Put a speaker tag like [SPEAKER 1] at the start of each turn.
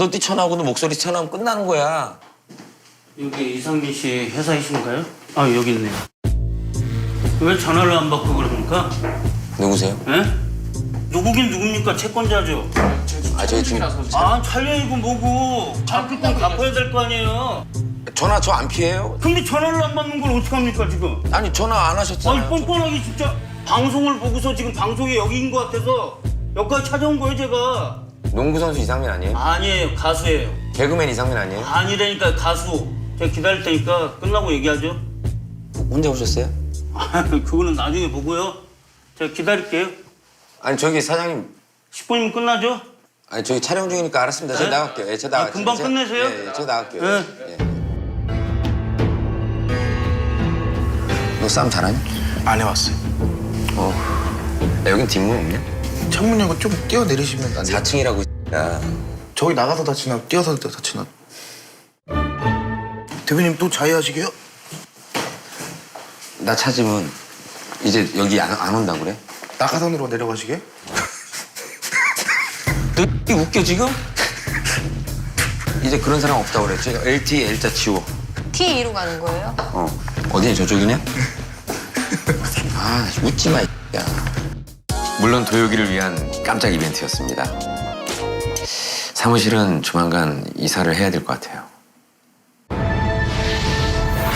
[SPEAKER 1] 너 뛰쳐나오고 목소리 튀어나오면 끝나는 거야.
[SPEAKER 2] 여기 이상민 씨 회사이신가요? 아, 여기 있네요. 왜 전화를 안 받고 그럽니까?
[SPEAKER 1] 누구세요?
[SPEAKER 2] 예? 누구긴 누굽니까? 채권자죠.
[SPEAKER 1] 아, 저희 지금
[SPEAKER 2] 아, 촬영이고 뭐고. 갚을 건 갚아야 될 거 아니에요.
[SPEAKER 1] 전화 저 안 피해요?
[SPEAKER 2] 근데 전화를 안 받는 걸 어떡합니까, 지금?
[SPEAKER 1] 아니 전화 안
[SPEAKER 2] 아니,
[SPEAKER 1] 하셨잖아요.
[SPEAKER 2] 뻔뻔하게 진짜. 방송을 보고서 지금 방송이 여기인 것 같아서 여기까지 찾아온 거예요, 제가.
[SPEAKER 1] 농구 선수 이상민 아니에요?
[SPEAKER 2] 아니에요, 가수예요.
[SPEAKER 1] 개그맨 이상민 아니에요?
[SPEAKER 2] 아니라니까, 가수. 제가 기다릴 테니까 끝나고 얘기하죠.
[SPEAKER 1] 혼자 오셨어요?
[SPEAKER 2] 그거는 나중에 보고요. 제가 기다릴게요.
[SPEAKER 1] 아니 저기 사장님,
[SPEAKER 2] 10분이면 끝나죠?
[SPEAKER 1] 아니 저기 촬영 중이니까 알았습니다. 제가
[SPEAKER 2] 네?
[SPEAKER 1] 나갈게요. 예, 제가 나갈게요.
[SPEAKER 2] 금방 끝내세요?
[SPEAKER 1] 예, 제가 나갈게요.
[SPEAKER 2] 네.
[SPEAKER 1] 예. 너 싸움 잘하니?
[SPEAKER 3] 안 해왔어요.
[SPEAKER 1] 야, 여긴 뒷문 없냐?
[SPEAKER 3] 창문 열고 좀 뛰어내리시면 안 돼요?
[SPEAKER 1] 4층이라고 야.
[SPEAKER 3] 저기 나가서 다치나 뛰어서 다치나. 대표님 또 자해하시게요?
[SPEAKER 1] 나 찾으면 이제 여기 안 온다고 그래?
[SPEAKER 3] 낙하산으로 내려가시게?
[SPEAKER 1] 너 이게 웃겨 지금? 이제 그런 사람 없다고 그랬지? LT L자 치워.
[SPEAKER 4] T2로 가는 거예요?
[SPEAKER 1] 어디냐 저쪽이냐? 아 웃지 마. 야. 물론 도요기를 위한 깜짝 이벤트였습니다. 사무실은 조만간 이사를 해야 될 것 같아요.